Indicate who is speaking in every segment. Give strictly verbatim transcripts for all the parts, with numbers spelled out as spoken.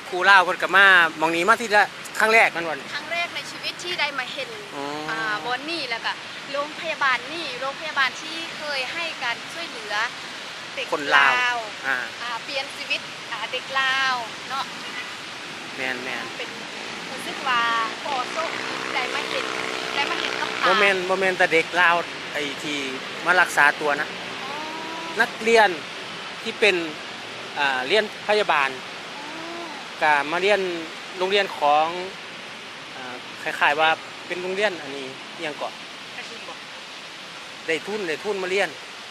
Speaker 1: ครูเล่าเพิ่นก็มามองนี้มาที่ละครั้งแรกนั่นวัน
Speaker 2: ครั้งแรกในชีวิตที่ได้มาเห็นอ่าบอนนี่แล้วก็โรงพยาบาลนี่โรงพยาบาลที่เคยให้การช่วยเหลือเด็ก
Speaker 1: คนลาวอ่า
Speaker 2: อ่าเปลี่ยนชีวิตอ่าเด็กลาวเนาะ
Speaker 1: แมนแมน
Speaker 2: เป็นรู้สึกว่าพอโชคดีได้มาเห็นได้มาเห็นกับตา
Speaker 1: โมเมนต์โมเมนต์แต่เด็กลาวไอ้ที่มารักษาตัวนะนักเรียนที่เป็นอ่าเรียนพยาบาลก็มาเรียนโรงเรียนของอ่าคล้ายๆว่าเป็นโรงเรียนอันนี้ยังเกาะได้ทุนได้ทุนมาเรียน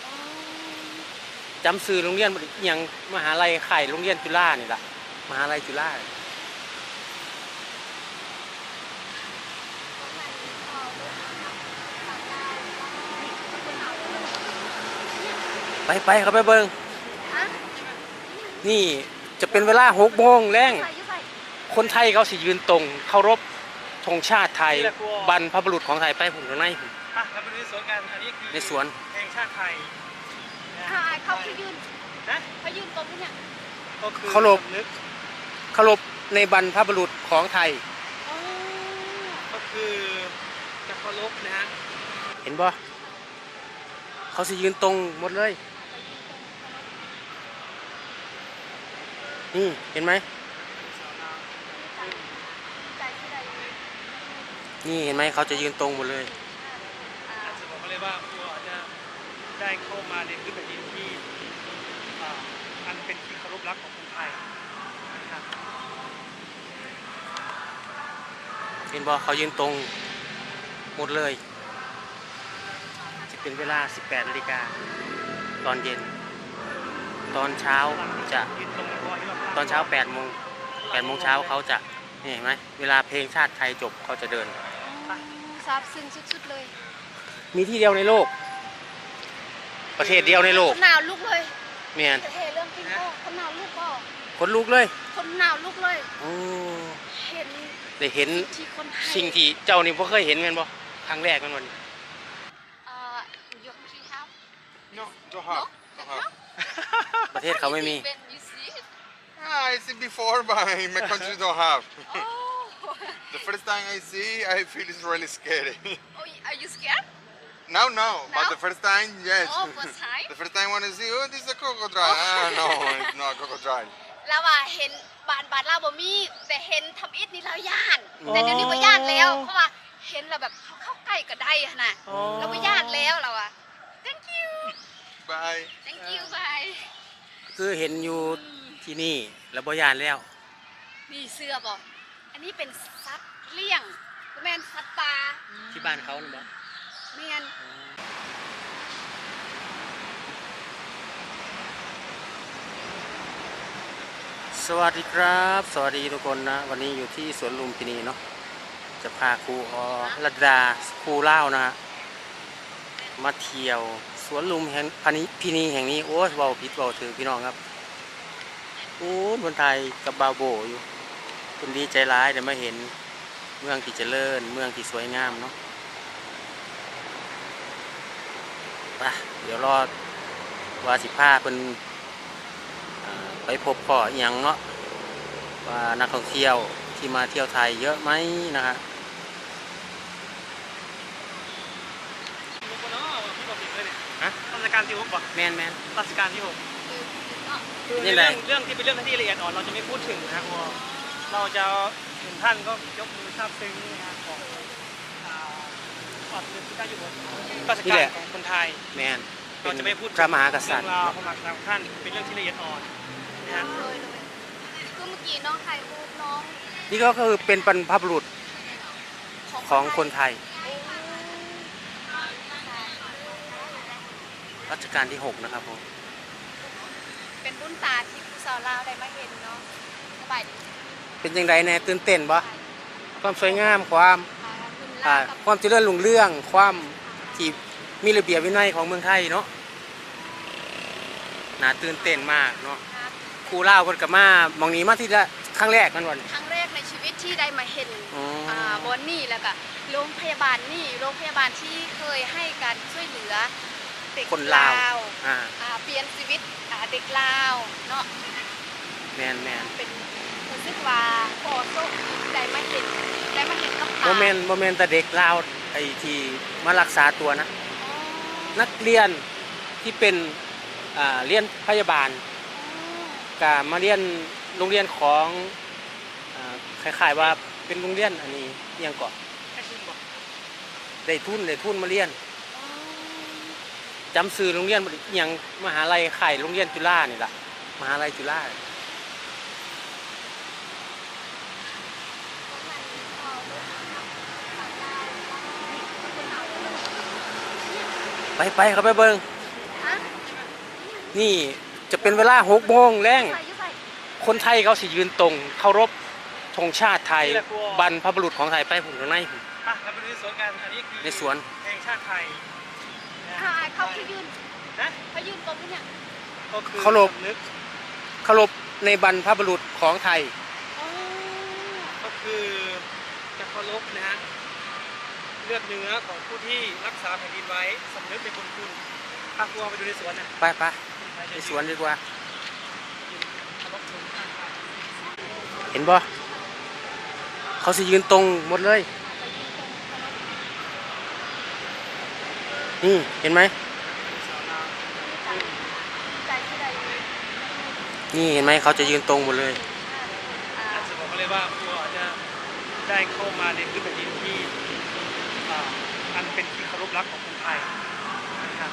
Speaker 1: จำซื้อโรงเรียนยังมหาลัยไข่โรงเรียนจุฬานี่แหละมหาลัยจุฬาไปไปเขาไปเบิ้งนี่จะเป็นเวลาหกโมงแรงคนไทยเขาสิยืนตรงเคารพธงชาติไทยบรรพบุรุษของไทยไปผมตรงไหนผม
Speaker 3: อ่ะเราไปดูในสวนกันอันนี้คือ
Speaker 1: ในสวน
Speaker 3: เพลงชาติไทย
Speaker 2: ค่ะเขาคือยืนนะเขายืนตรงนี้
Speaker 3: ก็คือ
Speaker 1: เคารพเคารพในบรรพบุรุษของไทย
Speaker 3: ก็คือจะเคารพนะฮะ
Speaker 1: เห็นบ่เขาสิยืนตรงหมดเลยนี่เห็นไหมนี่เห็นไหมเขาจะยืนตรงหมดเลย
Speaker 3: จะบอกเลยว่าพวกอาจจะได้เข้ามาในพื้นแผ่นดินที่อันเป็นที่เคารพรักของคนไทยนะครับ
Speaker 1: เห็นบ่เขายืนตรงหมดเลยจะเป็นเวลาสิบแปดนาฬิกาตอนเย็นตอนเช้าจะตอนเช้าแปดโมงแปดโมงเช้าเขาจะนี่เห็นไหมเวลาเพลงชาติไทยจบเขาจะเดิน
Speaker 2: ซาบซึ้งสุดๆเลย
Speaker 1: มีที่เดียวในโลกประเทศเดียวในโลก
Speaker 2: คนหนาวลุกเลย
Speaker 1: เมียน
Speaker 2: เเรื่องจริงก็คนหนาวลุกก็
Speaker 1: คนลุกเลย
Speaker 2: คนหนาวลุกเลย
Speaker 1: โอ้
Speaker 2: เห็น
Speaker 1: ได้เห็นสิ่งที่เจ้านี่พ่เคยเห็นกันบ่ครั้งแรกกันวัน
Speaker 2: เอ่อยกที่ครับ
Speaker 3: no don't have don't have
Speaker 1: ประเทศเขาไม่มี
Speaker 4: Ah, I see before, but in my country don't have. Oh. The first time I see, I feel it's really scary.
Speaker 2: Oh, are you scared?
Speaker 4: Now, no,
Speaker 2: now?
Speaker 4: but the first time, yes.
Speaker 2: Oh, first time?
Speaker 4: The first time when I see, oh, this is a crocodile. Oh. Ah, no, it's not a crocodile.
Speaker 2: เราว่าเห็นบานบานเราบ่มีแต่เห็นทำอิฐนี่เราย่านแต่เดี๋ยวนี้บ่ย่านแล้วเพราะว่าเห็นเราแบบเข้าใกล้ก็ได้ขนาดเราบ่ย่านแล้วเราอะ Thank you.
Speaker 4: Bye.
Speaker 2: Thank you. Bye.
Speaker 1: คือเห็นอยู่ที่นี่แล้วบ่ยานแล้ว
Speaker 2: มีเสื้อบ่อันนี้เป็นสัตว์เลี้ยงก็แม่นสัตว์ป่า
Speaker 1: ที่บ้านเขานี่บ่
Speaker 2: แม่น
Speaker 1: สวัสดีครับสวัสดีทุกคนนะวันนี้อยู่ที่สวนลุมพินีเนาะจะพาครูอรัตดาครูเล่านะฮะมาเที่ยวสวนลุมแห่งพินีแห่งนี้โอ้เว้าผิดเว้าถือพี่น้องครับโอ้คนไทยกับบาโบอยู่คนดีใจร้ายแต่มาเห็นเมืองที่เจริญเมืองที่สวยงามเนาะไปเดี๋ยวรอว่าสิพาเป็นไปพบพ่ออย่างเนาะว่านักท่องเที่ยวที่มาเที่ยวไทยเยอะไหมนะฮะ
Speaker 3: ราชการที่หกป่ะ
Speaker 1: แมนแมน
Speaker 3: ราชการที่หกคือเรื่องเรื่องที่เป็นเรื่องที่ละเอียดอ่อนเราจะไม่พูดถึงนะเพราะเราจะถึงท่านก็ยกมือซาบซึ้งนะของก่อนเรื่องที่ได้อยู่บนราชการของคนไทย
Speaker 1: แมน
Speaker 3: เราจะไม่พูด
Speaker 1: พระมหากษัตริย์
Speaker 3: เรื่องราวพระมหากษัตริย์ของท่านเป็นเรื่องที่ละเอียดอ่อนนะฮะ
Speaker 2: คือเมื่อกี้น้องถ่ายรูปน้อง
Speaker 1: นี่ก็คือเป็นบรรพบุรุษของคนไทยรัชกาลที่หกนะครับผม
Speaker 2: เป็นรุ่นตาที่ผู้สาวลาวได้มาเห็นเนาะสบายดี
Speaker 1: เป็นยังไงแน่ตื่นเต้นบ่ความสวยงามความความเจริญรุ่งเรืองความที่มีระเบียบวินัยของเมืองไทยเนาะน่าตื่นเต้นมากเนาะครูเล่าเพิ่นก็มามองนี้มาที่ละครั้งแรกกันวัน
Speaker 2: ครั้งแรกในชีวิตที่ได้มาเห็นอ่าบอนนี่แล้วก็โรงพยาบาลนี่โรงพยาบาลที่เคยให้การช่วยเหลือเด็ก
Speaker 1: คนลาว
Speaker 2: อ่าเปลี่ยนชีวิตเด็กลาวเนาะ
Speaker 1: แมนแมน
Speaker 2: เป็นรู้สึกว่า
Speaker 1: โมเมนต์โมเมนต์แต่เด็กลาวไอ้ที่มารักษาตัวนะ นักเรียนที่เป็นอ่าเรียนพยาบาลก็มาเรียนโรงเรียนของอ่าคล้ายๆว่าเป็นโรงเรียนอันนี้อิหยังก่อน
Speaker 3: ให้คุณบอก
Speaker 1: ได้ทุนได้ทุนมาเรียนจำซื้อโรงเรียนอิหยังมหาลัยไข่โรงเรียนจุฬานี่ล่ะมหาลัยจุฬาไปไปเขาไปเบิง
Speaker 2: ฮะ
Speaker 1: นี่จะเป็นเวลาหกโมงแรง
Speaker 2: ใส่อยุ่ใส่
Speaker 1: คนไทยเขาสิยืนตรงเคารพธงชาติไทยบรรพบุรุษของไทยไปผมข้างในผม
Speaker 3: อ่ะเราไปดูในสวนกันอันนี้คือ
Speaker 1: ในสวน
Speaker 3: เพลงชาติไทยนะ
Speaker 2: เขาเขาคือยืน
Speaker 3: นะ
Speaker 2: เขายืนตรงนี้เนี่ย
Speaker 3: ก็คือ
Speaker 1: เคารพ
Speaker 3: สำนึก
Speaker 1: เคารพในบรรพบุรุษของไทย
Speaker 2: อ๋อ
Speaker 3: ก็คือจะเคารพนะฮะเลือดเนื้อของผู้ที่รักษาแผ่นดินไว้สำนึกในบุญคุณพาครัวไปดูในสวนนะ
Speaker 1: ไปไปในสวนดีกว่า
Speaker 3: เคารพธงชาติไทย
Speaker 1: เห็นบ่เขาสิยืนตรงหมดเลย นี่เห็นไหม
Speaker 2: ใจที่ใด
Speaker 1: นี่เห็นไหมเขาจะยืนตรงหมดเลย
Speaker 2: อ่า
Speaker 3: อาจจะบอกเลยว่าครัวอาจจะได้เข้ามาในพื้นแผ่นดินที่อ่าอันเป็นที่เคารพรักของคนไทยนะครับ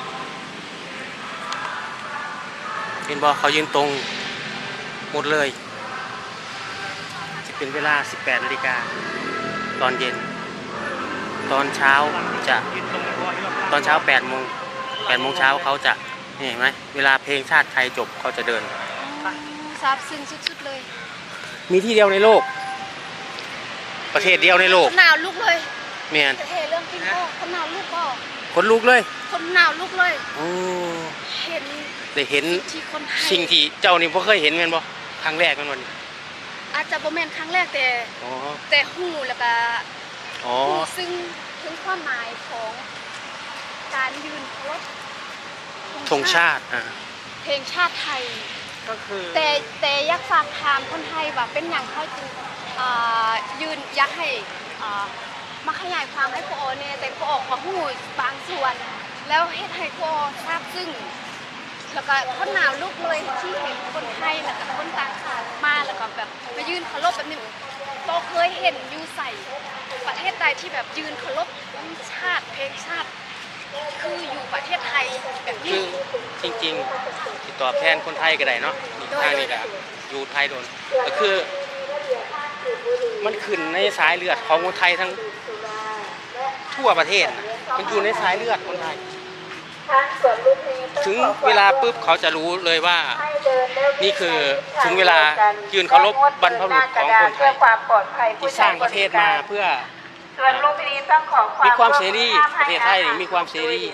Speaker 1: เห็นบ่เขายืนตรงหมดเลยจะเป็นเวลาสิบแปดนาฬิกาตอนเย็น ตอนเช้าจะ
Speaker 3: ยืนตรงเลยเพราะว่าที่เราพา
Speaker 1: ตอนเช้าแปดโมงแปดโมงเช้าเขาจะนี่เห็นไหมเวลาเพลงชาติไทยจบเขาจะเดิน
Speaker 2: ซาบซึ้งสุดๆเลย
Speaker 1: มีที่เดียวในโลก ประเทศเดียวในโลก
Speaker 2: คนหนาวลุกเลย
Speaker 1: เมียน
Speaker 2: เทเรื่องกินพ่อคนหนาวลุกพ่อ
Speaker 1: คนลุกเลย
Speaker 2: คนหนาวลุกเลย
Speaker 1: โอ้
Speaker 2: เห็น
Speaker 1: ได้เห็น
Speaker 2: ที่คนไทย
Speaker 1: สิ่งที่เจ้านี่บ่เคยเห็นแม่นบ่ครั้งแรกแม่นบ่นี่
Speaker 2: อาจจะบ่แม่นครั้งแรกแต่
Speaker 1: อ๋อ
Speaker 2: แต่หูแล้วก็
Speaker 1: อ๋อ
Speaker 2: หูซึ่งถึงความหมายของการยืนเคารพ
Speaker 1: ธงชาติอ่า
Speaker 2: เพลงชาติไทย
Speaker 3: ก็คือ
Speaker 2: แต่แต่อยากฝากถามคนไทยว่าเป็นอย่างเขาจึงอ่ายืนอยากให้อ่ามาขยายความให้พวกอเนี่ยแต่พวกอของหูบางส่วน แล้วเฮ็ดให้พวกทราบซึ้งแล้วก็คนหนาวลุกเลยที่เห็นคนไทยแล้วก็คนต่างชาติมาแล้วก็แบบมายืนเคารพแบบนี้โตเคยเห็นอยู่ใส่ประเทศใดที่แบบยืนเคารพชาติเพลงชาติ คืออยู่ประเทศไทยแบบ
Speaker 1: คื
Speaker 2: นี้
Speaker 1: อจริงๆติดต่อแทนคนไทยก็ได้เนาะอีกทางนี้ก็อยู่ไทยโดนก็คือ มันขึ้นในสายเลือดของคนไทยทั้งทั่วประเทศนะมันอยู่ในสายเลือดคนไทย ถึงเวลาปุ๊บเขาจะรู้เลยว่า นี่คือถึงเวลายืนเคารพบรรพบุรุษของคนไทยที่สร้างประเทศมาเพื่อ
Speaker 5: ส่วนลุมพินีต้องขอความ
Speaker 1: มีความเสรีประเทศไทยมีความเสรี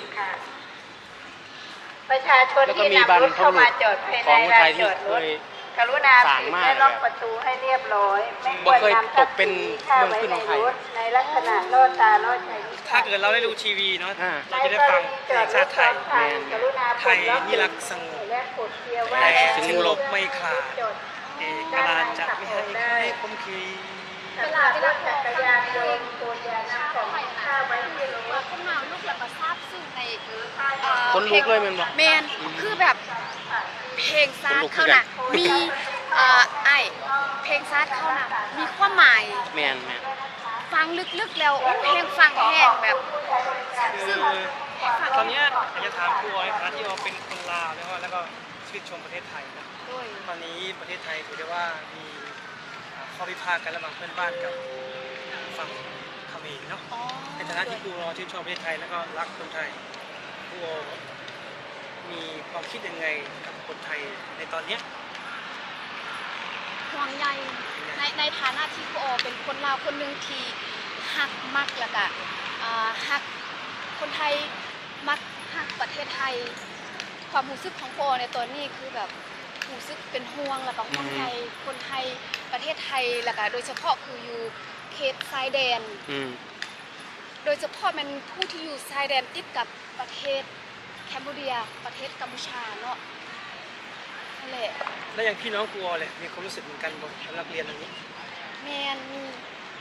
Speaker 5: ประชาชน
Speaker 1: แล้วก็
Speaker 5: ที่
Speaker 1: มีบร
Speaker 5: นำ
Speaker 1: ร
Speaker 5: ร
Speaker 1: พ
Speaker 5: ถเข้า
Speaker 1: บุรุ
Speaker 5: มา
Speaker 1: ษ
Speaker 5: จอดภาย
Speaker 1: ของ
Speaker 5: ใน
Speaker 1: คนไท
Speaker 5: ลาย น
Speaker 1: ที่
Speaker 5: จอด
Speaker 1: เค
Speaker 5: รถ
Speaker 1: ย
Speaker 5: กรุณา
Speaker 1: สร้าง
Speaker 5: ปิด
Speaker 1: มา
Speaker 5: และล็อกประตูให้เรียบร้อย ไม่
Speaker 1: บ่
Speaker 5: ควร
Speaker 1: เคย
Speaker 5: นำทรัพย์
Speaker 1: ตกเป็
Speaker 5: สิ
Speaker 1: น
Speaker 5: นมีค่าไว้
Speaker 1: เมืองขึ้น
Speaker 5: ใน
Speaker 1: ของไท
Speaker 5: ร
Speaker 1: ย
Speaker 5: ถในลักษณะล่อตาล่อใจลูก
Speaker 3: ถ้า
Speaker 5: ค้า
Speaker 3: เกิดเราได้ดูทีวีเนาะ
Speaker 1: อ่า
Speaker 3: เราจะได้ฟังเพลงชาติไทย
Speaker 5: กรุณา
Speaker 3: ไทยนิรักษ์สงบ
Speaker 5: และกดเกียร์ว่า
Speaker 3: แต่
Speaker 1: ถึง
Speaker 3: ถึง
Speaker 1: ล
Speaker 3: ล
Speaker 1: บ
Speaker 3: บไม่ขาด
Speaker 5: จด
Speaker 3: เอกราชจะไม่ให้ใครคมขี
Speaker 5: เวลาเวลาจักรยานยนต์ตัวอยานำของมีค่าไว้ที่ร
Speaker 2: ว่า
Speaker 5: ถ
Speaker 2: คนหนาวลุกแล้วก็ทราบซึ้งในเอ่อ
Speaker 1: คนลุกเลยแม่นบ่
Speaker 2: แมนคือแบบเพลงซา
Speaker 1: คน
Speaker 2: ด
Speaker 1: ลุกคือ
Speaker 2: เขา
Speaker 1: กัน
Speaker 2: น่ะมีเอ่อไอเพลงซาดเขาน่ะมีความหมาย
Speaker 1: แม่นแม่น
Speaker 2: ฟังลึกๆแล้วโอ้เพลงฟังแห้งแบบซาบ
Speaker 3: คื
Speaker 2: ซึ้ง
Speaker 3: อตอนเนี้ยอยากจะถามครูในฐานะที่เราเป็นคนลาวแล้วก็แล้วก็ชื่นชมประเทศไทยนะ
Speaker 2: ด้วย
Speaker 3: ตอนนี้ประเทศไทยถือได้ว่ามีอ่าข้อพิพาทกันระหว่างเพื่อนบ้านกับฝั่งเขมรเนาะ
Speaker 2: อ๋อ
Speaker 3: ในฐานะที่ครูเราชื่นชมประเทศไทยแล้วก็รักคนไทยครูมีความคิดยังไงกับคนไทยในตอนเนี้ย
Speaker 2: ห่วงใยในในฐานะที่ครูออเป็นคนลาวคนหนึ่งที่ฮักมักแล้วก็อ่าฮักคนไทยมักฮักประเทศไทย ความรู้สึกของครูออในตอนนี้คือแบบรู้สึกเป็นห่วงแล้วก็ห่วงใยคนไทยประเทศไทยแล้วก็โดยเฉพาะคืออยู่เขตชายแดน
Speaker 1: อืม
Speaker 2: โดยเฉพาะมันผู้ที่อยู่ชายแดนติดกับประเทศแคนเบเดียประเทศกัมพูชาเนาะนั่นแหละ
Speaker 3: แล้วอย่างพี่น้องครูเลยมีความรู้สึกเหมือนกันบ่สำหรับเรียนอันนี้
Speaker 2: แมนมี
Speaker 3: มีค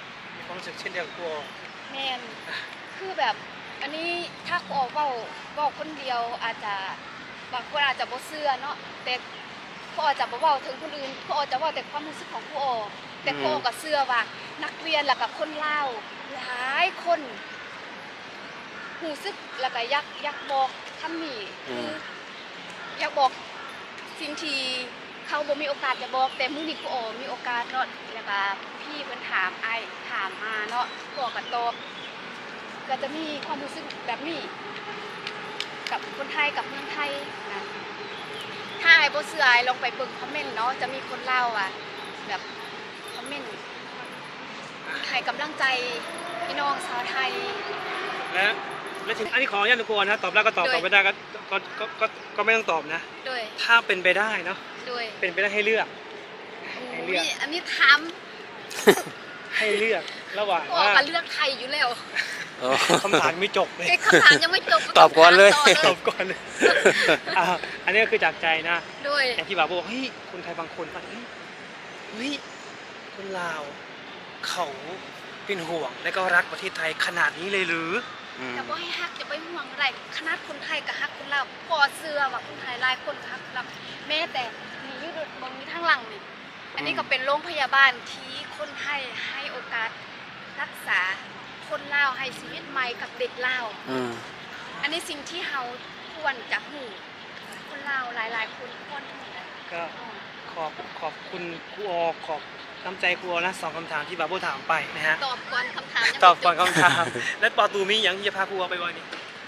Speaker 3: ความรู้สึกเช่นเดียวกับครู
Speaker 2: แมนคือแบบอันนี้ถ้าครูออเว้าเว้าคนเดียวอาจจะบางคนอาจจะบ่เชื่อเนาะแต่ครูออจะบ่เว้าถึงคนอื่นครูออจะเว้าแต่ความรู้สึกของครูออแต่ครูออก็เชื่อว่านักเรียนแล้วก็คนลาวหลายคนรู้สึกแล้วก็อยากอยากบอกคำนี้คืออยากบอกสิ่งที่เขาบ่มีโอกาสจะบอกแต่มื้อนี้ครูออมีโอกาสเนาะแล้วก็พี่เพิ่นถามอ้ายถามมาเนาะครูออก็ตอบก็จะมีความรู้สึกแบบนี้กับคนไทยกับเมืองไทยนะถ้าไอ้บ่เชื่อไอ้ลองไปเบิ่งคอมเมนต์เนาะจะมีคนเล่าอ่ะแบบคอมเมนต์ให้กำลังใจพี่น้องชาวไทย
Speaker 3: และและถึงอันนี้ขออนุญาตทุกคนนะตอบได้ก็ตอบ
Speaker 2: โดย
Speaker 3: ตอบไม่ได้ก็ก็ก็ก็ก็ไม่ต้องตอบนะ
Speaker 2: โดย
Speaker 3: ถ้าเป็นไปได้เนาะ
Speaker 2: โดย
Speaker 3: เป็นไปได้ให้เลือก ให้เลือก
Speaker 2: อุ๊ยอันนี้ถาม
Speaker 3: ให้เลือกระหว่าง
Speaker 2: ก็
Speaker 3: ว่า
Speaker 2: ก็เลือกไทยอยู่แล้ว
Speaker 1: โอ้
Speaker 3: คำถามไม่จบเลย
Speaker 2: ไอ้คำถามยังไม่จบ
Speaker 1: ตอบก่อนเลย
Speaker 2: ถาม
Speaker 3: ต
Speaker 2: ต่
Speaker 3: อบก่อนเลยอ่ะอันนี้ก็คือจากใจนะ
Speaker 2: โดย
Speaker 3: อย่างที่บาบอกเฮ้ยคนไทยบางคนฟังเฮ้ยเฮ้ยคนลาวเขาเป็นห่วงและก็รักประเทศไทยขนาดนี้เลยหรือ
Speaker 1: อืม
Speaker 2: แต่ว่าให้ฮักอย่าไปห่วงอะไรขนาดคนไทยกับฮักคนลาวพอเสื้อว่าคนไทยหลายคนกับฮักคนลาวแม้แต่มีอยู่บนมีทางหลังนี่อันนี้ก็เป็นโรงพยาบาลที่คนไทยให้โอกาสรักษาคนลาวให้ชีวิตใหม่กับเด็กลาว
Speaker 1: อืม
Speaker 2: อันนี้สิ่งที่เราควรจะหูคนลาวหลายๆคนควรหูนะ
Speaker 3: ก็ขอบขอบคุณครูออขอบน้ำใจครูออนะสองคำถามที่บาโบถามไปนะฮะ
Speaker 2: ตอบก่อนคำถามยังไม่
Speaker 3: ตอบก่อน
Speaker 2: จ
Speaker 3: คำถาม และปอตูมีอย่างที่จะพาครูออไปวันนี้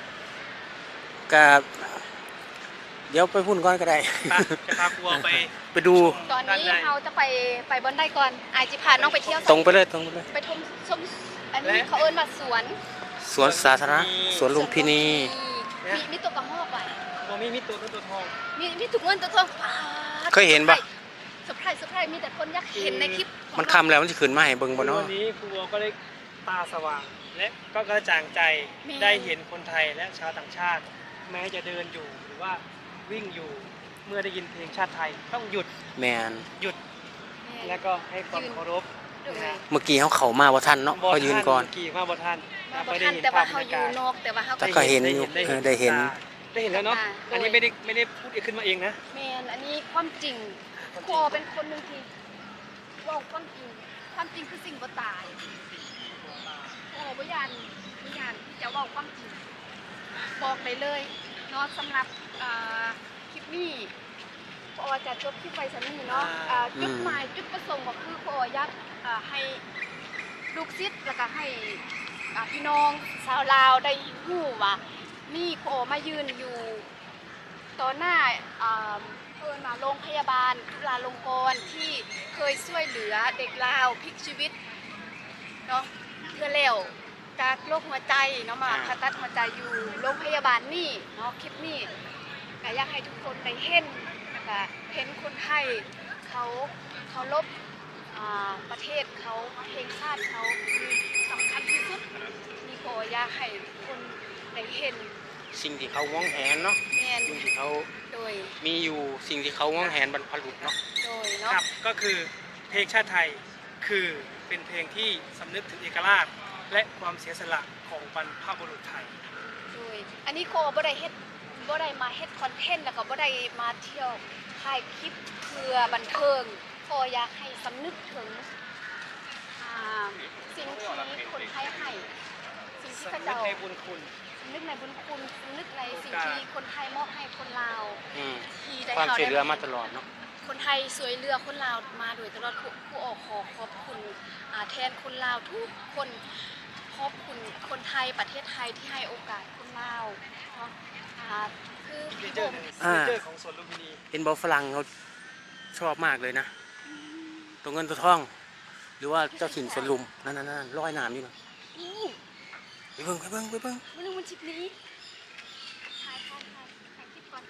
Speaker 1: กับเดี๋ยวไปพุ่นก่อนก็ได้
Speaker 3: ไปจะพาครูออไป
Speaker 1: ไปดู
Speaker 2: ตอน
Speaker 3: ด้า
Speaker 2: นี้
Speaker 3: ใ
Speaker 2: เราจะไปไปบนได้ก่อนอายจิพาน้องไปเที่ยว
Speaker 1: ตรงไปเลยตรงไปเลย
Speaker 2: ไปชมชมอันนี้เขาเอิ้นว่าสวน
Speaker 1: สวนสาธารณะสวนลุมพินี
Speaker 2: มีมีตัวกระหอกไว้
Speaker 3: ตัวมีมีตัวตัวตัวทอง
Speaker 2: มีมีถุงเงินตัวทองป๊าด
Speaker 1: เคยเห็นปะ
Speaker 2: เซอร์ไพรส์เซอร์ไพรส์มีแต่คนอยากเห็นในคลิปของ
Speaker 1: มันคำแล้วมันจะขึ้นมาให้เบิ่งบ่เนาะ
Speaker 3: วันนี้ครูออก็ได้ตาสว่าง และก็กระจ่างใจได้เห็นคนไทยและชาวต่างชาติ แม้จะเดินอยู่หรือว่าวิ่งอยู่เมื่อได้ยินเพลงชาติไทยต้องหยุด
Speaker 1: แมน
Speaker 3: หยุดและก็ให้ความเคารพ
Speaker 2: โดย
Speaker 3: นะฮะ
Speaker 1: เมื่อกี้เขาเข้ามาบ่ทันเนาะเขายืนก่อน
Speaker 3: กี่มาบท่าน
Speaker 2: มาบ่
Speaker 3: ไม่ได้
Speaker 2: ทัน
Speaker 3: เห็น
Speaker 2: แต่
Speaker 3: ภา
Speaker 2: ว่า
Speaker 3: พบร
Speaker 2: เขา
Speaker 3: ร
Speaker 2: อย
Speaker 3: า
Speaker 2: ยู่
Speaker 3: กาศ
Speaker 2: นอกแต่ว่าเขา
Speaker 1: แต่ก็เห็นอยู่
Speaker 3: ได้
Speaker 1: เอ
Speaker 3: เห็
Speaker 1: อน ได้เห็น
Speaker 3: ได้เห็นแล้วเนาะ
Speaker 2: อ่า
Speaker 3: อันนี้ไม่ได้ไม่ได้พูดขึ้นมาเองนะ
Speaker 2: แมนอันนี้ความจริงคอเป็นคนหนึ่งที่เว่าความจริงความจริงคือสิ่งบ่ตายโอ้บ่ยานบ่ยานที่จะเว่าความจริงบอกได้เลยเนาะสำหรับอ่าคลิปนี้พอจะจบคลิปไปสันนี้เนาะอ่าจุดหมายจุดประสงค์ก็คือพออยากอ่าให้ลูกศิษย์แล้วก็ให้อ่าพี่น้องชาวลาวได้รู้ว่ามีพอมายืนอยู่ ต่อหน้าอ่าเพิ่นมาโรงพยาบาลจุฬาลงกรณ์ที่เคยช่วยเหลือเด็กลาวพลิกชีวิตเนาะเพื่อแล้วจากโรคหัวใจเนาะมาผ่าตัดหัวใจอยู่โรงพยาบาลนี่เนาะคลิปนี้ก็อยากให้ทุกคนได้เห็นนะคะเห็นคนไทยเขาเขาลบอ่าประเทศเขาเพลงชาติเขาคือสำคัญที่สุดนี่ก็อยากให้ทุกคนได้เห็น
Speaker 1: สิ่งที่เขาหวงแหนเนาะ
Speaker 2: แมน
Speaker 1: สิ่งที่เขา
Speaker 2: โดย
Speaker 1: มีอยู่สิ่งที่เขาหวงแหนบรรพบุรุษเนาะ
Speaker 2: โดย
Speaker 3: ค
Speaker 2: เนาะ
Speaker 3: รับก็คือเพลงชาติไทยคือเป็นเพลงที่สำนึกถึงเอกราชและความเสียสละของบรรพบุรุษไทย
Speaker 2: โดยอันนี้โคบ่ได้เฮ็ดบ่ได้มาเฮ็ดคอนเทนต์แล้วก็บ่ได้มาเที่ยวถ่ายคลิปเพื่อบันเทิงโคอยากให้สำนึกถึงอ่าสิ่งที่คนไทยให้สิ่งที่เขา
Speaker 3: สำนึก
Speaker 2: เจ้า
Speaker 3: ในบุญคุณ
Speaker 2: สำนึกในบุญคุณสำนึกในสิ่งที่คนไทยมอบให้คนลาว
Speaker 1: อืม
Speaker 2: ที่ได้
Speaker 1: ความ
Speaker 2: เฮา
Speaker 1: ช่วยเหลือมาต
Speaker 2: ได้
Speaker 1: ลอดเนาะ
Speaker 2: คนไทยสวยเรือคนลาวมาโดยตลอดผู้ผู้ออกขอขอบคุณอ่าแทนคนลาวทุกคนขอบคุณคนไทยประเทศไทยที่ให้โอกาสคนลาวเนาะอ่าคือ
Speaker 3: เน
Speaker 2: พี่
Speaker 3: เจ
Speaker 2: บ
Speaker 3: อร์
Speaker 2: ม
Speaker 3: เนเจอร์ของสวนลุมพินี
Speaker 1: เห็นบอกฝรั่งเขาชอบมากเลยนะ ตัวเงินตัวทอง หรือว่าเจ้าถิ่นสวนลุมนั่นนั่นนั่นร้อยน้ำอยู่นะ
Speaker 2: นี่
Speaker 1: ไปเบิ่งไปเบิ่งไปเบิ่ง
Speaker 2: มันนึงมันชิปนี้ถ่ายถ่ายถ่ายถ่ายคลิปก่อน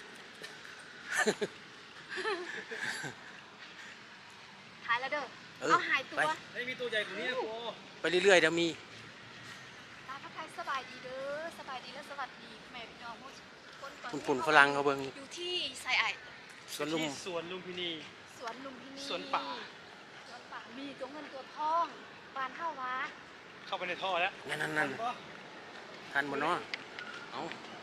Speaker 2: ถ่ายแล้วเด้อ
Speaker 1: เออ
Speaker 2: เอาหายตัว
Speaker 1: ไป
Speaker 3: ไม่มีตัวใหญ่กว่านี้นะโอ้
Speaker 1: ไปเรื่อยๆเดี๋ยวมี
Speaker 2: ตาพักไทยสบายดีเด้อสบายดีและสวัสดีแม่พี่น้องคนตอน
Speaker 1: ปุ่นปุ่นฝรั่งเขาเบิ่ง
Speaker 2: อยู่ที่ไซไอ
Speaker 1: สวนลุม
Speaker 3: ที่สวนลุมพินี
Speaker 2: สวนลุมพินี
Speaker 3: สวนป่า
Speaker 2: สวนป่ามีตัวเงินตัวทองบานเท่าวะ
Speaker 3: ในท่อแล้ว
Speaker 1: นั่นนั่นนั่นทันบนเนาะเอา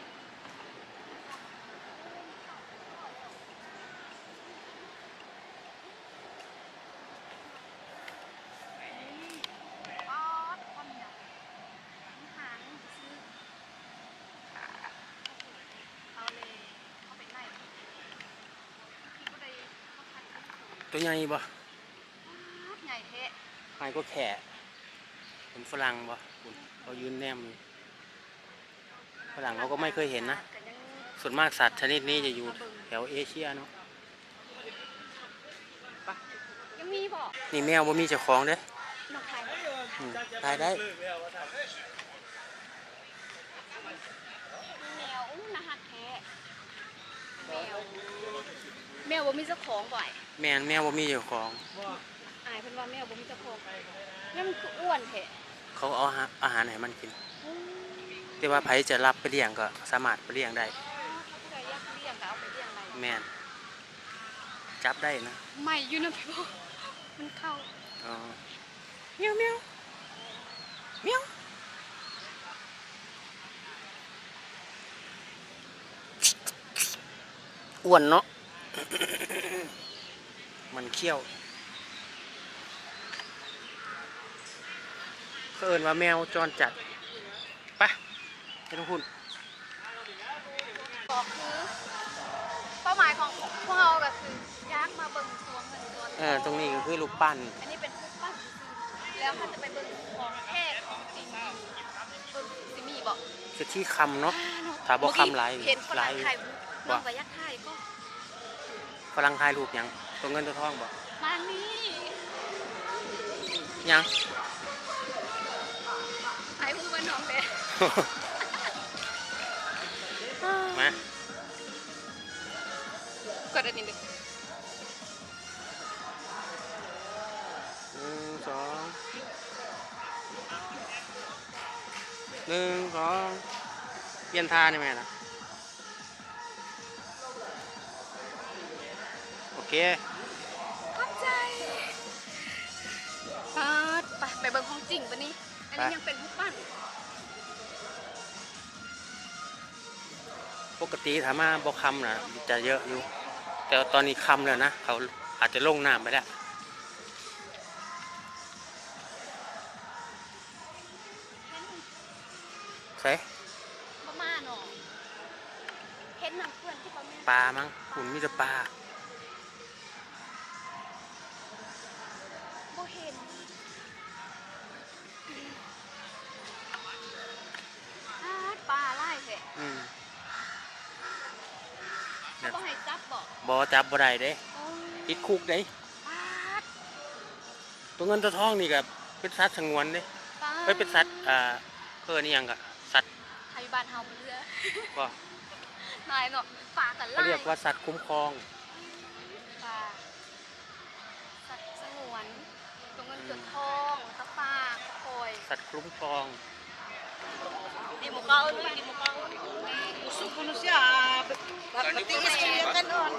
Speaker 2: ป๊อดคนเนี่ยหางซื้อเอาเลยเอาไปไหนพี่ก็ได้เขาคัดให้สูง
Speaker 1: ตัวใหญ่บ่
Speaker 2: ใหญ่เทะ
Speaker 1: ไอ้ก็แขะเป็นฝรั่งบ่คุณเขายืนแนมอยู่ฝรั่งเขาก็ไม่เคยเห็นนะ
Speaker 2: ก็ยัง
Speaker 1: ส่วนมากสัตว์ชนิดนี้จะอยู่แถวเอเชียเนาะ
Speaker 2: ยังมีบ่
Speaker 1: นี่แมวบ่มีเจ้าของเด้
Speaker 2: นกไทย
Speaker 1: อืมตายได้
Speaker 2: แมวอู้น่าฮักแท้แมวแมวบ่มีเจ้าของบ่อย
Speaker 1: แมนแมวบ่มีเจ้าของ
Speaker 2: อายเพิ่นว่าแมวบ่มีเจ้าของแล้วมันคืออ้วนแท้
Speaker 1: เขาเอาอาหารอาหารให้มันกิน แต่ว่าไผจะรับไปเลี้ยงก็สามารถไปเลี้ยงได้
Speaker 2: ถ้าผู้ใดอยากเลี้ยงก็เอาไปเลี้ยงได้
Speaker 1: แมนจับได้นะ
Speaker 2: ไม่อยู่นะพี่บ่มันเข้า
Speaker 1: อ๋อเมียวเมียวเมียวอ้วนเนาะ มันเขี้ยวเขาเอิ้นว่าแมวจรจัดไปไม่ต้องพูด
Speaker 2: ก็คือเป้าหมายของพวกเราก็คืออยากมาเบิ่งสวนเงินสวนท
Speaker 1: เออตรงนี้ก็คือลูกปั้น
Speaker 2: อันนี้เป็นรูปปั้นจริงๆแล้วถ้าจะไปเบิ่งของแท้ของจริงเบิ่งสิมีบ่
Speaker 1: คือที่คำเนาะ
Speaker 2: อ่เนะ
Speaker 1: ถ้าบ่คำหลาย
Speaker 2: เห็นฝรั่ง
Speaker 1: หลาย
Speaker 2: ถ่ายรูปน้องก็อยากถ่ายก็
Speaker 1: ฝรั่งถ่ายรูปหยังตัวเงินตัวทองบ่
Speaker 2: มานี่
Speaker 1: ยัง
Speaker 2: ถ่ายรูปกับน้องเด้
Speaker 1: มา
Speaker 2: กดอันนี้ดิ
Speaker 1: หนึ่งสองหนึ่งสองเปลี่ยนท่าได้ไหมล่ะโอเค
Speaker 2: ขอบใจปาดไปไปเบิ่งของจริงปะนี่อันนี้
Speaker 1: ไป
Speaker 2: ยังเป็นรูปปั้น
Speaker 1: ปกติถามมาบ่คำนะจะเยอะอยู่ แต่ตอนนี้คำแล้วนะ เขาอาจจะลงน้ำไปแล้วใส่
Speaker 2: ประมาณเนาะเห็นน้ำเพื่อนที่ประมาณ
Speaker 1: ปลามั้งคุณมีแต่ปลา
Speaker 2: บ่เห็นปาดปลาไล่แท้
Speaker 1: อืม
Speaker 2: เขาบ่ให้จับบ่
Speaker 1: บ่จับบ่ได้เด้
Speaker 2: โอ้ย
Speaker 1: ติดคุกเด้
Speaker 2: ปาด
Speaker 1: ตัวเงินตัวทองนี่ก็เป็นสัตว์สงวนเด้
Speaker 2: ปาด
Speaker 1: เอ้ยเป็นสัตว์อ่าเพิ่นนี่หยังก็สัตว์
Speaker 2: ไทยบ้านเฮาเรือ
Speaker 1: ก็
Speaker 2: นายเนาะปลากัน
Speaker 1: เขา
Speaker 2: ไล่
Speaker 1: เรียกว่าสัตว์คุ้มครอง
Speaker 2: ปลาสัตว์สงวนตัวเงินตัวทองตะปลาตะโอย
Speaker 1: สัตว์คุ้มครอง
Speaker 2: di muka ini di muka
Speaker 5: Suku manusia, berarti istrinya kan on.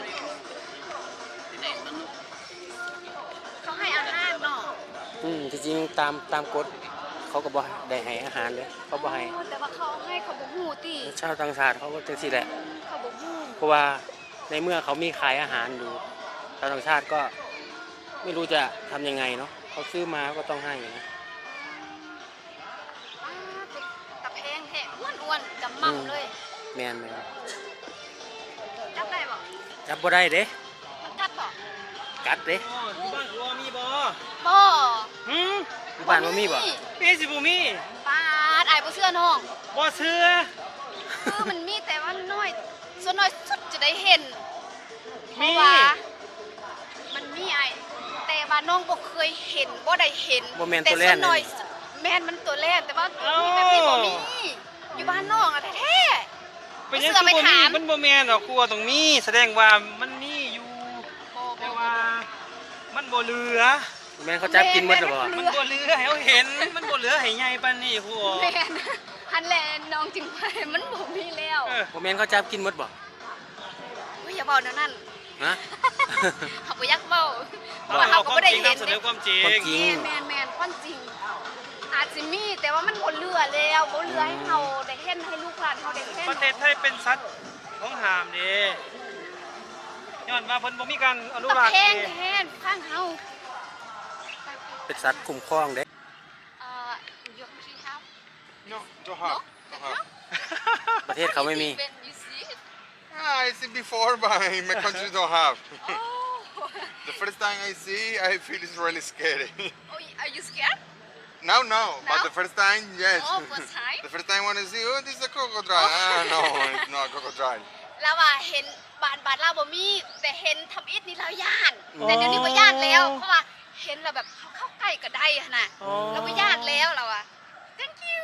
Speaker 2: เขาให้อาหารเนาะ
Speaker 1: อืมที่จริงตามตามกฎเขาก็บ่ได้ให้อาหารเลยเขาบ่ให้
Speaker 2: แต่ว่าเขาให้เขาบ่ฮู้ติ
Speaker 1: ชาวต่างชาติเขาก็จังซี่แหละ
Speaker 2: เขาบ่ฮู้
Speaker 1: เพราะว่าในเมื่อเขามีขายอาหารอยู่ชาวต่างชาติก็ไม่รู้จะทำยังไงเนาะเขาซื้อมาก็ต้องให้นะ
Speaker 2: อ้าตะแพงแท้อ้วนๆจำมั่มเลย
Speaker 1: แม่นแม่น
Speaker 2: จับได้บ่
Speaker 1: จับบ่ได้เด้
Speaker 2: มันกัดบ่
Speaker 1: กัดเด้
Speaker 3: อ๋อที่บ้านกูมีบ่
Speaker 2: บ่
Speaker 3: หืม
Speaker 1: ที่บ้านบ่มีบ่
Speaker 3: มีสิบ่มี
Speaker 2: ปาดอายบ่เชื่อน้อง
Speaker 3: บ่เชื่อ
Speaker 2: คือมันมีแต่ว่าน้อยส่วนน้อยสุดจะได้เห็นเพ
Speaker 3: มี
Speaker 2: ราะว่ามันมีไอ้แต่ว่าน้องบ่เคยเห็นบ่ได้เห็น
Speaker 1: บ่แม่น
Speaker 2: แต่
Speaker 1: ตัวแร
Speaker 2: ส่
Speaker 1: ก
Speaker 2: วน
Speaker 1: เล
Speaker 2: น้อย
Speaker 1: ย
Speaker 2: แม่นมันตัวแรกแต่ว่ามีแบบนี้บ่มีอยู่บ้านน้องอะแท้
Speaker 3: เป็นยัง
Speaker 2: เสือ
Speaker 3: คือ
Speaker 2: ไป
Speaker 3: บ่มี
Speaker 2: ถาม
Speaker 3: มันบ่แม่นดอกกูว่าต้องมีแสดงว่ามันมีอยู่
Speaker 2: ๆบ่
Speaker 3: แต่ว่ามันบ่เหลือ
Speaker 1: แม่นเขาจับกินหมดหรอบ่
Speaker 3: มันบ่เหลือให้เขาเห็น มันบ่เหลือให้ใหญ่ปานนี้ครู
Speaker 2: แม่นฮันแลนน้องจึงไปมันบ่มีแล้ว
Speaker 3: เออ
Speaker 1: บ่แม่นเขาจับกินหมดบ่
Speaker 2: อุ้ยอย่าบอกแนวนั้น
Speaker 1: ฮะ
Speaker 2: เขาบ่อยากเว้าเพราะ
Speaker 3: เรา
Speaker 2: ว่าเขา
Speaker 3: เอา
Speaker 2: ก็
Speaker 3: ความ
Speaker 2: บ่ได้
Speaker 3: จริง
Speaker 2: เห็น
Speaker 3: นำเสนอความจริ
Speaker 1: ความ
Speaker 3: ง
Speaker 1: จริง
Speaker 2: แม่นแม่นๆความจริงอาจจะมีแต่ว่ามันบ่เหลือแล้วบ่เหลือให้เฮาได้เห็นให้ลูกหลานเฮาได้เห็น
Speaker 3: ประเทศไทยเป็นสัตว์ของหามเด้ย้อนว่าเพิ่นบ่มีการอนุ
Speaker 2: ตะ
Speaker 3: รักษ์
Speaker 2: แพง
Speaker 3: เด้
Speaker 2: แทนฟังเฮา
Speaker 1: เป็นสัตว์คุ้มครองเด้
Speaker 2: เอ่อยกที่เฮา
Speaker 4: No, don't have. Don't have.
Speaker 1: ประเทศเขาไม่มี
Speaker 2: When you see it
Speaker 4: Ah, I see before, but in my country don't have.
Speaker 2: oh
Speaker 4: The first time I see, I feel it's really scary.
Speaker 2: oh are you scared
Speaker 4: Now, no, but
Speaker 2: Now?
Speaker 4: the first time, yes.
Speaker 2: Oh, first time?
Speaker 4: The first time when I see, oh, this is a crocodile. Ah, no, it's not a crocodile.
Speaker 2: เราว่าเห็นบ้านบ้านเราบ่มีแต่เห็นทำอิฐนี่เราย่านแต่เดี๋ยวนี้บ่ย่านแล้วเพราะว่าเห็นแล้วแบบเขาเข้าใกล้ก็ได้หั่นน่ะ
Speaker 3: อ๋อ
Speaker 2: เราบ่ย่านแล้วเราอ่ะ thank you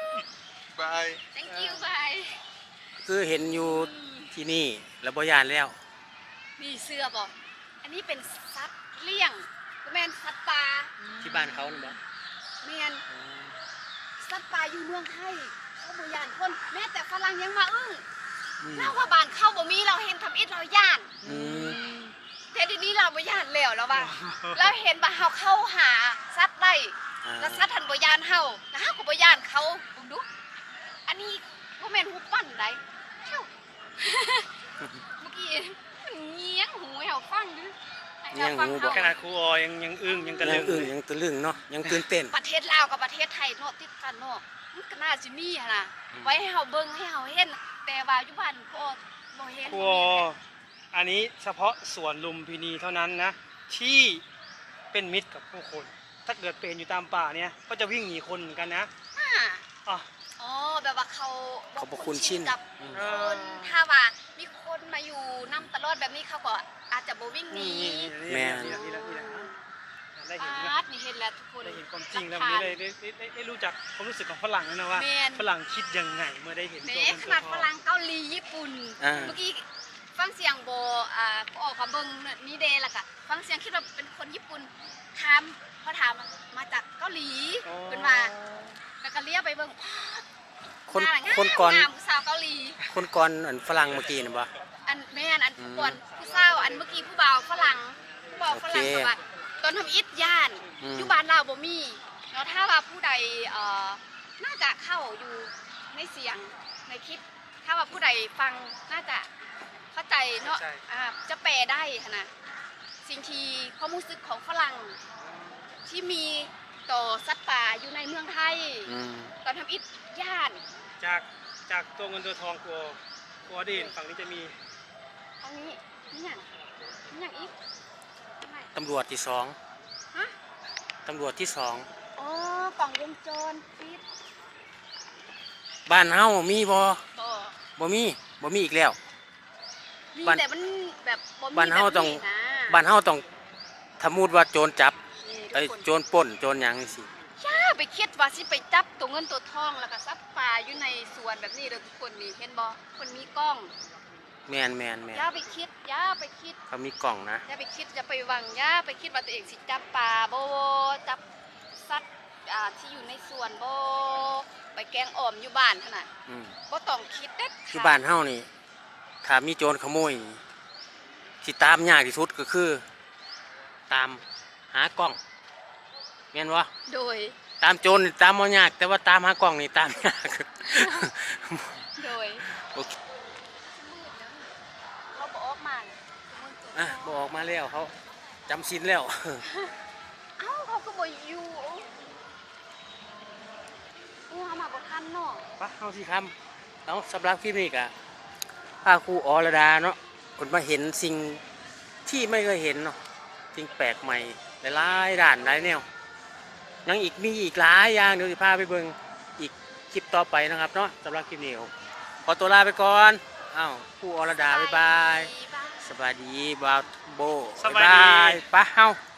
Speaker 4: Bye.
Speaker 2: thank you bye
Speaker 1: คือเห็นอยู่ที่นี่แล้วบ่ยานแล้ว
Speaker 2: มีเสื้อบ่อันนี้เป็นสัตว์เลี้ยงบ่แม่นสัตว์ป่า
Speaker 1: ที่บ้านเขานี่บ่
Speaker 2: แม่นสัตว์ป่าอยู่เมืองไทยเขาบ่ย่านคนแม้แต่ฝรั่งยังมาอึ้ง
Speaker 1: อืม
Speaker 2: เราว่าบ้านเข้าบ่มีเราเห็นทำอิฐเราย่าน
Speaker 1: อืม
Speaker 2: แต่ทีนี้เราบ่ย่านแล้วแล้วว่าเราเห็นว่าเฮาเข้าหาสัตว์ได้
Speaker 1: อ่า
Speaker 2: แล้วสัตว์ทันบ่ย่านเฮาแล้วเฮาก็บ่ย่านเขาเบิ่งดูอันนี้บ่แม่นหูปั้นไดเอ้า เมื่อกี้มันเงียงหูให้เฮาฟังดูให้ราฟั
Speaker 1: เงียงหูบ่
Speaker 2: เฮา
Speaker 3: ขนาดครูออยังยังอึ้งยังกระ
Speaker 1: ยั
Speaker 3: ลึ
Speaker 1: ง
Speaker 3: ง
Speaker 1: อึ้งยังตะลึงเนาะยังตื่นเต้น
Speaker 2: ประเทศลาวกับประเทศไทยเนาะติดกันเนาะมันก็น่าสิมีหั่นน่ะไว้ให้เฮาเบิ่งให้เฮาเห็นแต่ว่าอยู่บ้านก็บ่เห็น
Speaker 3: ครูอออันนี้เฉพาะสวนลุมพินีเท่านั้นนะ ที่เป็นมิตรกับผู้คน ถ้าเกิดเป็นอยู่ตามป่าเนี่ยก็จะวิ่งหนีคนเหมือนกันนะ
Speaker 2: อ่า
Speaker 3: อ๋อ
Speaker 2: อ๋อแบบว่าเขา
Speaker 1: เขาบ่คุ้นชิน
Speaker 2: กับ
Speaker 1: อืม
Speaker 2: คนถ้าว่ามีคนมาอยู่นำตลอดแบบนี้เขาก็อาจจะบ่วิ่งหนี
Speaker 1: แม่
Speaker 3: นี่แหละนี่แหละนี่แหละได้เห็น
Speaker 2: ปา
Speaker 3: นะ
Speaker 2: ดนี่เห็นแล้วทุกคน
Speaker 3: ได้เห็นความจริงแล้ววันนี้ได้ได้ได้ได้ได้รู้จักความรู้สึกของฝรั่งแล้วนะว่า
Speaker 2: แม่น
Speaker 3: ฝรั่งคิดยังไงเมื่อได้เห็น
Speaker 2: แห
Speaker 3: ตัว
Speaker 2: ม้
Speaker 3: เงิน
Speaker 2: ข
Speaker 3: ตัว
Speaker 2: นาด
Speaker 3: ท
Speaker 2: ฝ
Speaker 3: อง
Speaker 2: รั่งเกาหลีญี่ปุ่น
Speaker 1: อ่า
Speaker 2: เมื่อกี้ฟังเสียงโบอ่าก็ออกมาเบิ่งนี่เดล่ะค่ะฟังเสียงคิดว่าเป็นคนญี่ปุ่นถามเขาถามมาจากเกาหลีเป็นว่าแล้วก็เรียกไปเบิ่ง
Speaker 1: คน
Speaker 2: หางาม
Speaker 1: คนก่อน
Speaker 2: งามผู้สาวเกาหลี
Speaker 1: คนก่อนอันฝรั่งเมื่อกี้น่ะบ่
Speaker 2: อันแม่นอันผู้ก่อนผู้สาวอันเมื่อกี้ผู้บ่าวฝรั่งผู้บ่าวฝรั่ง
Speaker 1: โอเค
Speaker 2: แบบว่าตอนทำอิฐย่าน
Speaker 1: อืม
Speaker 2: อยู่บ้านเราบ่มีแล้วถ้าว่าผู้ใดเอ่อน่าจะเข้าอยู่ในเสียงในคลิป ถ้าว่าผู้ใดฟังน่าจะเข้าใจเนาะอ่าจะแปลได้ค่ะนะสิ่งที่ความรู้สึกของฝรั่งที่มีต่อสัตว์ป่าอยู่ในเมืองไทย
Speaker 1: อืม
Speaker 2: ตอนทำอิฐย่าน
Speaker 3: จากจากตัวเงินตัวทองกลัวกลัวได้เห็นฝั่งนี้จะมี
Speaker 2: อันนี้นี่อย่างนี่อย่างอีกทำไม
Speaker 1: ตำรวจที่สอง
Speaker 2: ฮะ
Speaker 1: ตำรวจที่สอง
Speaker 2: อ๋อกล่องวงจรปิด
Speaker 1: บ้านเฮามีบ่
Speaker 2: บ่
Speaker 1: บ่มีบ่มีอีกแล้ว
Speaker 2: มี
Speaker 1: บ้าน
Speaker 2: แต่มันแบบบ่มี
Speaker 1: บ้านเฮาต้อง
Speaker 2: แบบนะ
Speaker 1: บ้านเฮาต้องสมมุติว่าโจรจับ
Speaker 2: นี่ทุก
Speaker 1: ไอ้
Speaker 2: คน
Speaker 1: โจรปล้นโจรหยังจังซี่
Speaker 2: ย่าไปคิดว่าสิไปจับตัวเงินตัวทองแล้วก็ซับปลาอยู่ในสวนแบบนี้เด้อทุกคนนี่เห็นบ่คนมีกล้อง
Speaker 1: แม่นแม่นแม่น
Speaker 2: ย่าไปคิดย่าไปคิด
Speaker 1: เขามีกล่องนะ
Speaker 2: ย่าไปคิดอย่าไปหวังย่าไปคิดว่าตัวเองสิจับปลาบ่จับสัตว์อ่าที่อยู่ในสวนบ่ไปแกงอ่อมอยู่บ้านขนาด
Speaker 1: อืม
Speaker 2: บ่ต้องคิดเด็ด
Speaker 1: ที่บ้านเฮานี่ถ้ามีโจรขโมยนี่ที่ตามยากที่สุดก็คือ ตามหากล้องแม่นบ่
Speaker 2: โดย
Speaker 1: ตามโจรนี่ตามบ่ยาก แต่ว่าตามหากล้องนี่ตามยาก
Speaker 2: โดย
Speaker 1: โอเค
Speaker 2: มืดแล้วเขาบ่ออกมาเลยมืดตัว
Speaker 1: อ่ะบ่ออกมาแล้วเขาจำศีลแล้ว
Speaker 2: เอ้าเขาก็บ่อยู่โอ้เฮามาบ่ทันเนาะ
Speaker 1: ปะเอาสิคำเอาสำหรับคลิปนี้กะพาครูอรดาเนาะคนมาเห็นสิ่งที่ไม่เคยเห็นเนาะสิ่งแปลกใหม่หลายๆด้านหลายแนวยังอีกมีอีกหลายอย่างเดี๋ยวจะพาไปเบิ่งอีกคลิปต่อไปนะครับเนาะสำหรับคลิปนี้ผมขอตัวลาไปก่อนอ้าวครูอรดาบ๊ายบาย
Speaker 2: บ๊ายบาย
Speaker 1: สวัสดีบ่าวโบ
Speaker 3: สวัสดี
Speaker 1: บ๊ายบายปะเฮา